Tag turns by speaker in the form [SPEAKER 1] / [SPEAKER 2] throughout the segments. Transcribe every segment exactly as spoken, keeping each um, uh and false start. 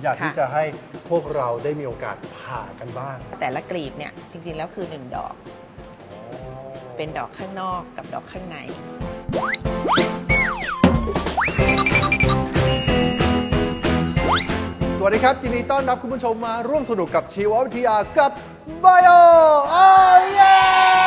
[SPEAKER 1] อยากที่จะให้พวกเราได้มีโอกาสผ่ากันบ้าง
[SPEAKER 2] แต่ละกลีบเนี่ยจริงๆแล้วคือหนึ่งดอก เป็นดอกข้างนอกกับดอกข้างใน
[SPEAKER 1] สวัสดีครับยินดีต้อนรับคุณผู้ชมมาร่วมสนุกกับชีววิทยากับ Bio โอ้เย้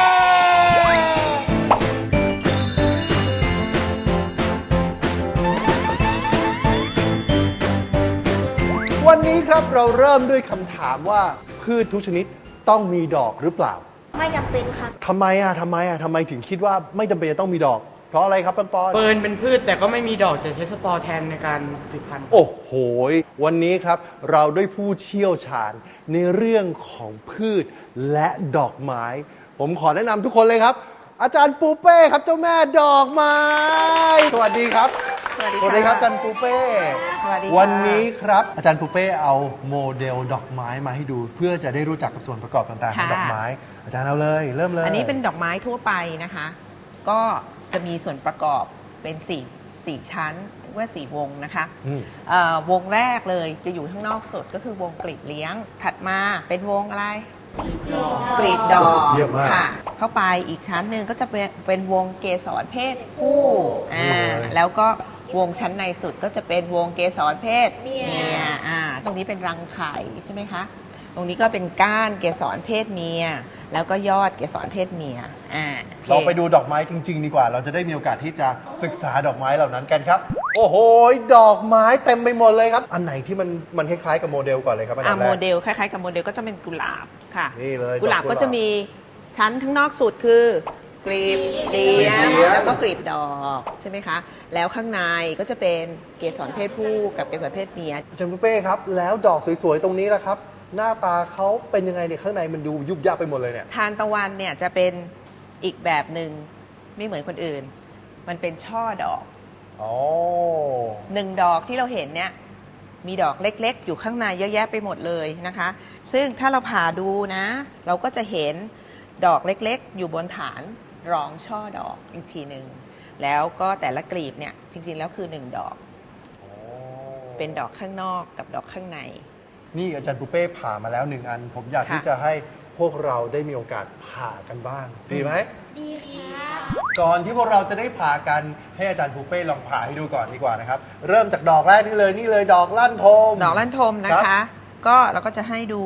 [SPEAKER 1] วันนี้ครับเราเริ่มด้วยคำถามว่าพืชทุกชนิดต้องมีดอกหรือเปล่า
[SPEAKER 3] ไม่จำเป็นครับ
[SPEAKER 1] ทำไมอ่ะทำไมอ่ะทำไมถึงคิดว่าไม่จำเป็นจะต้องมีดอกเพราะอะไรครับปันปอน
[SPEAKER 4] เปิร์นเป็นพืชแต่ก็ไม่มีดอกแต่ใช้สปอร์แทนในการสืบพันธุ์
[SPEAKER 1] โอ้โหวันนี้ครับเราได้ผู้เชี่ยวชาญในเรื่องของพืชและดอกไม้ ผมขอแนะนำทุกคนเลยครับ อาจารย์ปูเป้ครับเจ้าแม่ดอกไม้ สวัสดีครับ
[SPEAKER 2] สวัสดี
[SPEAKER 1] สวัสดีครับอาจารย์ปูเป้
[SPEAKER 2] สวัสดีค่ะ
[SPEAKER 1] วันนี้ครับอาจารย์ปูเป้เอาโมเดลดอกไม้มาให้ดู เพื่อจะได้รู้จักกับส่วนประกอบต่างๆของดอกไม้ อาจารย์เอาเลยเริ่มเลย
[SPEAKER 2] อันนี้เป็นดอกไม้ทั่วไปนะคะ ก็จะมีส่วนประกอบเป็นสี่สี่ชั้นเรียกว่าสี่วงนะคะ
[SPEAKER 1] อืม
[SPEAKER 2] เอ่อวงแรกเลยจะอยู่ข้างนอกสุดก็คือวงกลีบเลี้ยง ถัดมาเป็นวงอะไรกลีบดอก
[SPEAKER 1] เยี่ยมมาก
[SPEAKER 2] ค่ะ เข้าไปอีกชั้นหนึ่งก็จะเป็นเป็นวงเกสรเพศผู้อ่าแล้วก็วงชั้นในสุดก็จะเป็นวงเกสรเพศเมียอ่าตรงนี้เป็นรังไข่ใช่ไหมคะตรงนี้ก็เป็นก้านเกสรเพศเมีย แล้วก็ยอดเกสรเพศเมียอ่าโอค
[SPEAKER 1] เราไปดูดอกไม้จริง ๆ ดีกว่า เราจะได้มีโอกาสที่จะศึกษาดอกไม้เหล่านั้นกันครับ โอ้โห ดอกไม้เต็มไปหมดเลยครับ อันไหนที่มันมันคล้ายๆกับโมเดลก่อนเลยครับอัน
[SPEAKER 2] อ่า
[SPEAKER 1] ดับแร
[SPEAKER 2] โม
[SPEAKER 1] ก
[SPEAKER 2] เดลคล้ายๆกับโมเดลก็จะเป็นกุหลาบค่ะ
[SPEAKER 1] นี่เลย
[SPEAKER 2] กุหลาบ
[SPEAKER 1] ดอกกุหลาบ
[SPEAKER 2] ก็จะมีชั้นข้างนอกสุดคือกลีบเลี้ยง
[SPEAKER 1] กลีบเลี้ยง
[SPEAKER 2] แล้วก็กลีบดอกใช่ไหมคะ แล้วข้างในก็จะเป็นเกสรเพศผู้กับเกสรเพศเมีย
[SPEAKER 1] อาจารย์ปุ้เป้ครับ แล้วดอกสวยๆ ตรงนี้ล่ะครับ หน้าตาเขาเป็นยังไงเนี่ยข้างในมันดูยุบยับไปหมดเลยเนี่ย
[SPEAKER 2] ทานตะวันเนี่ยจะเป็นอีกแบบหนึ่งไม่เหมือนคนอื่น มันเป็นช่อดอก
[SPEAKER 1] อ๋อ
[SPEAKER 2] หนึ่งดอกที่เราเห็นเนี่ยมีดอกเล็กๆ อยู่ข้างในเยอะแยะไปหมดเลยนะคะ ซึ่งถ้าเราผ่าดูนะ เราก็จะเห็นดอกเล็กๆ อยู่บนฐานรองช่อดอกอีกทีหนึ่งแล้วก็แต่ละกลีบเนี่ยจริงๆแล้วคือหนึ่งดอก เป็นดอกข้างนอกกับดอกข้างใน
[SPEAKER 1] นี่อาจารย์ปุ้เป้ผ่ามาแล้วหนึ่งอัน ผมอยาก
[SPEAKER 2] ค่ะ
[SPEAKER 1] ที่จะให้พวกเราได้มีโอกาสผ่ากันบ้าง ดีไหม
[SPEAKER 3] ดีครับ
[SPEAKER 1] ก่อนที่พวกเราจะได้ผ่ากันให้อาจารย์ปูเป้ลองผ่าให้ดูก่อนดีกว่านะครับ เริ่มจากดอกแรกนี่เลยนี่เลยดอกลั่นทม
[SPEAKER 2] ดอกลั่นทมนะ
[SPEAKER 1] ครั
[SPEAKER 2] คะ
[SPEAKER 1] บ
[SPEAKER 2] ก็เราก็จะให้ดู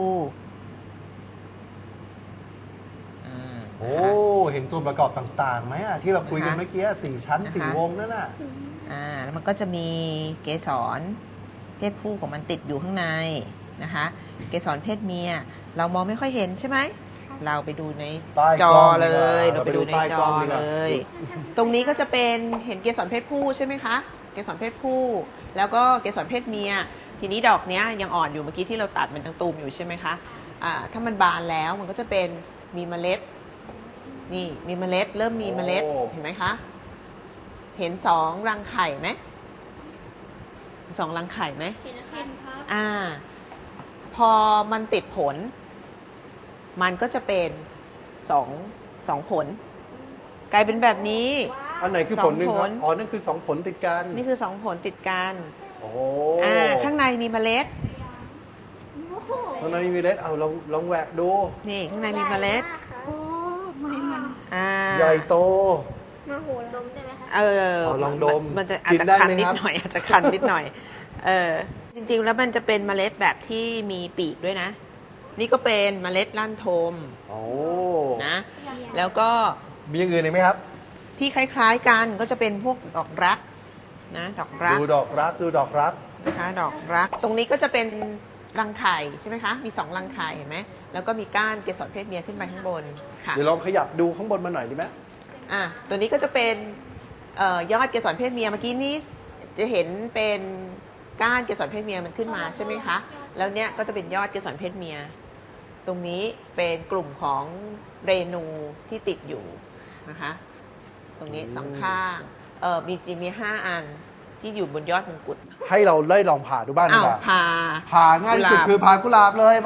[SPEAKER 2] อ่า
[SPEAKER 1] โอ้เห็นส่วนประกอบต่างๆไหมอะที่เราคุยกันเมื่อกี้สี่ชั้นสี่วงนั่นน่ะ
[SPEAKER 2] อ่าแล้วมันก็จะมีเกสรเพศผู้ของมันติดอยู่ข้างในนะคะ เกสรเพศเมีย เรามองไม่ค่อยเห็นใช่ไหม เราไปดูใน
[SPEAKER 1] ใต้
[SPEAKER 2] จ
[SPEAKER 1] ก
[SPEAKER 2] อ
[SPEAKER 1] ล้อง
[SPEAKER 2] เล
[SPEAKER 1] ดีกว่าย
[SPEAKER 2] เราไปดูใน
[SPEAKER 1] เราไปดูใต้
[SPEAKER 2] จ
[SPEAKER 1] กล้
[SPEAKER 2] อ
[SPEAKER 1] องดีกว่า
[SPEAKER 2] เลย ตรงนี้ก็จะเป็นเห็นเกสรเพศผู้ใช่ไหมคะ เกสรเพศผู้ แล้วก็เกสรเพศเมีย ทีนี้ดอกเนี้ยยังอ่อนอยู่เมื่อกี้ที่เราตัดมันทั้งตูมอยู่ใช่ไหมคะอ่าถ้ามันบานแล้วมันก็จะเป็นมีเมล็ด นี่มีเมล็ด เริ่มมีเมล็ด
[SPEAKER 1] โอ้
[SPEAKER 2] เห็นไหมคะ เห็นสองรังไข่ไหมสองรังไข่ไหม
[SPEAKER 3] เห็นครับ
[SPEAKER 2] อ่า พอมันติดผล มันก็จะเป็นสองสองผล กลายเป็นแบบนี้
[SPEAKER 1] อันไหนคือผลหนึ่ง
[SPEAKER 2] สอง
[SPEAKER 1] ค
[SPEAKER 2] ผ
[SPEAKER 1] รับ
[SPEAKER 2] ล
[SPEAKER 1] อ๋อนั่นคือสองผลติดกัน
[SPEAKER 2] นี่คือสองผลติดกัน
[SPEAKER 1] โอ้
[SPEAKER 2] อ่า ข้างในมีเมล็ด
[SPEAKER 1] ข้างในมีเมล็ดเอาลองลองแหวกดู
[SPEAKER 2] นี่ข้างในมีเมล็ด
[SPEAKER 3] โอ้ไม่มัน
[SPEAKER 2] อ่า
[SPEAKER 1] ใหญ่โต
[SPEAKER 3] มาโหดมได้ไหมคะ
[SPEAKER 2] เออ
[SPEAKER 1] เอาลองดม
[SPEAKER 2] นมันจะอาจ
[SPEAKER 1] กิน
[SPEAKER 2] จะ
[SPEAKER 1] ได้
[SPEAKER 2] คัน
[SPEAKER 1] ไหม
[SPEAKER 2] นิด
[SPEAKER 1] ครับ
[SPEAKER 2] หน่อย อาจจะคันนิดหน่อย เออ จริงๆ แล้วมันจะเป็นเมล็ดแบบที่มีปีกด้วยนะ นี่ก็เป็นเมล็ดลั่นทม
[SPEAKER 1] โอ้
[SPEAKER 2] นะ แล้วก็
[SPEAKER 1] มีอย่างอื่นอีกไหมครับ
[SPEAKER 2] ที่คล้ายๆกันก็จะเป็นพวกดอกรักนะดอกรัก
[SPEAKER 1] ดูดอกรักดูดอกรัก
[SPEAKER 2] นะคะดอกรัก ตรงนี้ก็จะเป็นรังไข่ใช่ไหมคะ มีสองรังไข่เห็นไหมแล้วก็มีก้านเกสรเพศเมียขึ้นไปข้างบนค่ะ
[SPEAKER 1] เดี๋ยวลองขยับดูข้างบนมาหน่อยดีไหม
[SPEAKER 2] อ่ะตัวนี้ก็จะเป็นเอ่อยอดเกสรเพศเมียเมื่อกี้นี้จะเห็นเป็นก้านเกสรเพศเมียมันขึ้นมาใช่ไหมคะแล้วเนี้ยก็จะเป็นยอดเกสรเพศเมีย ตรงนี้เป็นกลุ่มของเรนูที่ติดอยู่นะคะ ตรงนี้สองข้างเออมีจีมีห้าอันที่อยู่บนยอดมงกุฎ
[SPEAKER 1] ให้เราได้ลองผ่าดูบ้างดี
[SPEAKER 2] อ้าว
[SPEAKER 1] กว่า
[SPEAKER 2] พา
[SPEAKER 1] ผ่าง่ายที่สุด
[SPEAKER 2] กุหลาบ
[SPEAKER 1] คือผ่ากุหลาบเลยมา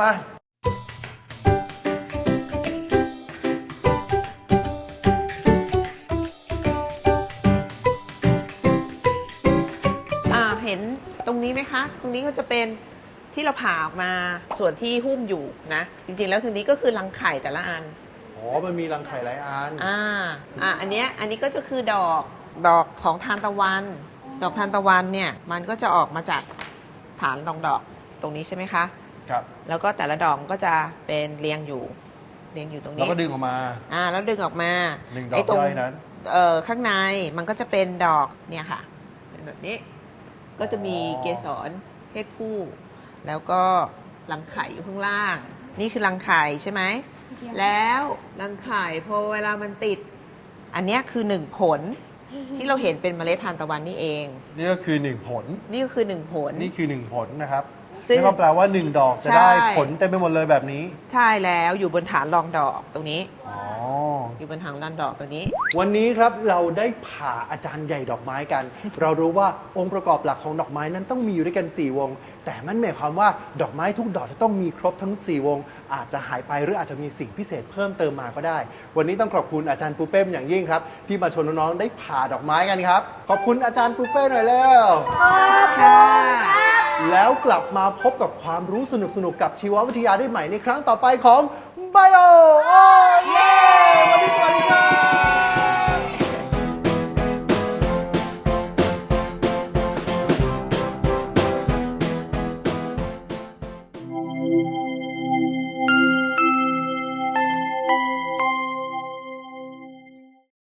[SPEAKER 2] อ่าเห็นตรงนี้ไหมคะ ตรงนี้ก็จะเป็นที่เราผ่าออกมาส่วนที่หุ้มอยู่นะ จริงๆแล้วทีนี้ก็คือรังไข่แต่ละอัน
[SPEAKER 1] อ๋อ มันมีรังไข่หลายอัน
[SPEAKER 2] อ่า อ่า อันเนี้ย อันนี้ก็จะคือดอก ดอกของทานตะวัน ดอกทานตะวันเนี่ย มันก็จะออกมาจากฐานรองดอกตรงนี้ใช่ไหมคะ
[SPEAKER 1] ครับ
[SPEAKER 2] แล้วก็แต่ละดอกก็จะเป็นเรียงอยู่ เรียงอยู่ตรง
[SPEAKER 1] แล้ว
[SPEAKER 2] นี้
[SPEAKER 1] ก็ดึงออกมา
[SPEAKER 2] อ่า แล้วดึงออกมา
[SPEAKER 1] หนึ่งดอก
[SPEAKER 2] ตรง
[SPEAKER 1] ย่อยนั้น
[SPEAKER 2] เอ่อ ข้างในมันก็จะเป็นดอกเนี่ยค่ะ เป็นแบบนี้ ก็จะมี
[SPEAKER 1] อ๋อ
[SPEAKER 2] เกสรเพศผู้ แล้วก็รังไข่อยู่ข้างล่าง นี่คือรังไข่ใช่ไหม แล้วรังไข่พอเวลามันติด อันเนี้ยคือหนึ่งผลที่เราเห็นเป็นเมล็ดทานตะวันนี่เอง
[SPEAKER 1] นี่ก็คือหนึ่งผล
[SPEAKER 2] นี่ก็คือหนึ่งผล
[SPEAKER 1] นี่คือหนึ่งผลนะครับ
[SPEAKER 2] ซึ่ง
[SPEAKER 1] นั่นก็แปลว่าหนึ่งดอกจะ
[SPEAKER 2] ใช่
[SPEAKER 1] ได้ผลเต็มไปหมดเลยแบบนี้
[SPEAKER 2] ใช่แล้วอยู่บนฐานรองดอกตรงนี้
[SPEAKER 1] อ๋อ
[SPEAKER 2] อยู่บนฐานรองดอกตรงนี้
[SPEAKER 1] วันนี้ครับเราได้ผ่าอาจารย์ใหญ่ดอกไม้กัน เรารู้ว่าองค์ประกอบหลักของดอกไม้นั้นต้องมีอยู่ด้วยกัน สี่ วง แต่มันหมายความว่าดอกไม้ทุกดอกจะต้องมีครบทั้ง สี่ วง อาจจะหายไปหรืออาจจะมีสิ่งพิเศษเพิ่มเติมมาก็ได้ วันนี้ต้องขอบคุณอาจารย์ปูเป้เป็นอย่างยิ่งครับ ที่มาชวนน้องๆได้ผ่าดอกไม้กันครับ ขอบคุณอาจารย์ปูเป้หน่อยแล้ว
[SPEAKER 2] ค่ะ
[SPEAKER 1] แล้วกลับมาพบกับความรู้สนุกๆกับชีววิทยาได้ใหม่ในครั้งต่อไปของ Bio โอ้เย่